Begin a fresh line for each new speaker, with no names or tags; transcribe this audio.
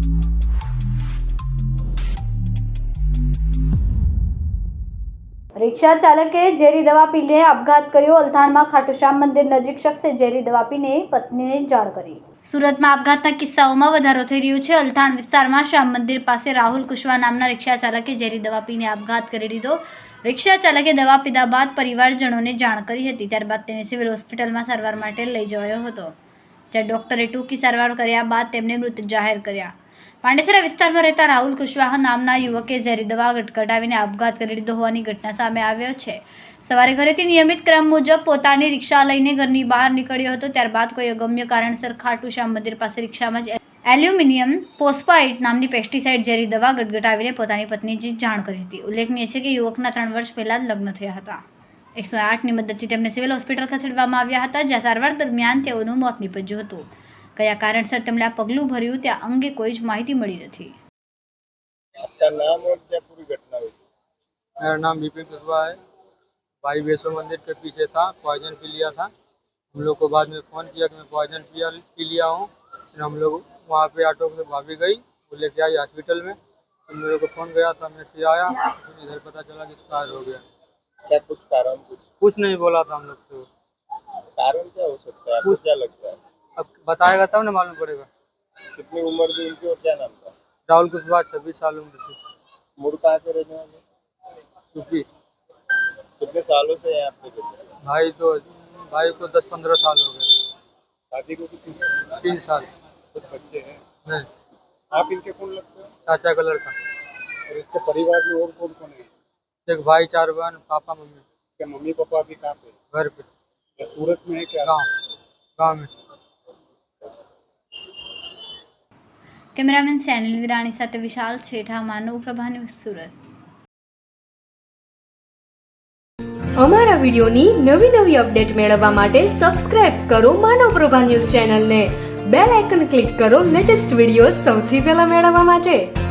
રિક્ષા ચાલકે ઝેરી દવા પીને આપઘાત કર્યો। અલથાણમાં ખાટુશ્યામ મંદિર નજીક શખ્સે ઝેરી દવા પીને પત્નીને જાણ કરી। સુરતમાં આપઘાતના કિસ્સાઓમાં વધારો થઈ રહ્યો છે। અલથાણ વિસ્તારમાં શ્યામ મંદિર પાસે રાહુલ કુશવા નામના રિક્ષા ચાલકે ઝેરી દવા પીને આપઘાત કરી દીધો। રિક્ષા ચાલકે દવા પીધા બાદ પરિવારજનોને જાણ કરી હતી। ત્યારબાદ તેને સિવિલ હોસ્પિટલમાં સારવાર માટે લઈ જવાયો હતો, જ્યાં ડોક્ટરે ટૂંકી સારવાર કર્યા બાદ તેમને મૃત જાહેર કર્યા। પાંડેસરા વિસ્તારમાં રહેતા રાહુલ કુશવાહા નામના યુવકે ઝેરી દવા ગટગટાવીને આપઘાત કરી લીધો હોવાની ઘટના સામે આવ્યો છે। સવારે ઘરેથી નિયમિત ક્રમ મુજબ પોતાની રિક્ષા લઈને ઘરની બહાર નીકળ્યો હતો। ત્યારબાદ કોઈ અગમ્ય કારણસર ખાટુશ્યામ મંદિર પાસે રિક્ષામાં જ એલ્યુમિનિયમ ફોસ્ફાઇડ નામની પેસ્ટિસાઇડ ઝેરી દવા ગટગટાવીને પોતાની પત્નીને જાણ કરી હતી। ઉલ્લેખનીય છે કે યુવકના 3 વર્ષ પહેલા જ લગ્ન થયા હતા। 108ની મદદથી તેમને સિવિલ હોસ્પિટલ ખસેડવામાં આવ્યા હતા, જ્યાં સારવાર દરમિયાન તેઓનું મોત નીપજ્યું હતું। કયા કારણસર તેમણે આ પગલું ભર્યું તે અંગે કોઈ જ માહિતી મળી નથી।
आपका नाम और क्या पूरी घटना हुई?
मेरा नाम विपिन कुशवाहा है। भाई वैष्णो मंदिर के पीछे था, पॉइजन पी लिया था। हम लोग को बाद में फ़ोन किया कि मैं पॉइजन पी लिया हूँ। फिर हम लोग वहाँ पे ऑटो से भाभी गई, वो लेके आई हॉस्पिटल में। फिर मेरे को फ़ोन गया था, मैं फिर आया, फिर इधर पता चला कि एक्सपायर हो गया।
क्या कुछ कारण
कुछ नहीं बोला था हम लोग से।
कारण क्या हो सकता है, आपको क्या लगता है?
अब बताएगा तब ना मालूम पड़ेगा।
कितनी उम्र थी उनकी और क्या नाम था?
राहुल कुशवाहा 26 साल उम्र थी।
मूड कहाँ के रहने वाले?
यूपी।
कितने सालों से यहाँ पे रहते हैं?
भाई को 10-15 साल हो गए।
शादी को कितने?
3 साल।
कुछ बच्चे हैं?
नहीं।
आप इनके कौन लगते हो?
चाचा का लड़का।
और इसके परिवार में और कौन कौन है?
एक भाई, 4 बहन, पापा मम्मी।
क्या मम्मी पापा अभी कहाँ पे?
घर पे।
क्या सूरत में है क्या?
गाँव में।
કેમેરામેન સેનિલ વિરાણી સાથે વિશાલ છેઠા, માનવ પ્રભા ન્યૂઝ, સુરત।
અમારા વિડિયોની નવી અપડેટ મેળવવા માટે સબસ્ક્રાઇબ કરો માનવ પ્રભા ન્યૂઝ ચેનલને। બેલ આઇકન ક્લિક કરો લેટેસ્ટ વિડિયો સૌથી પહેલા મેળવવા માટે।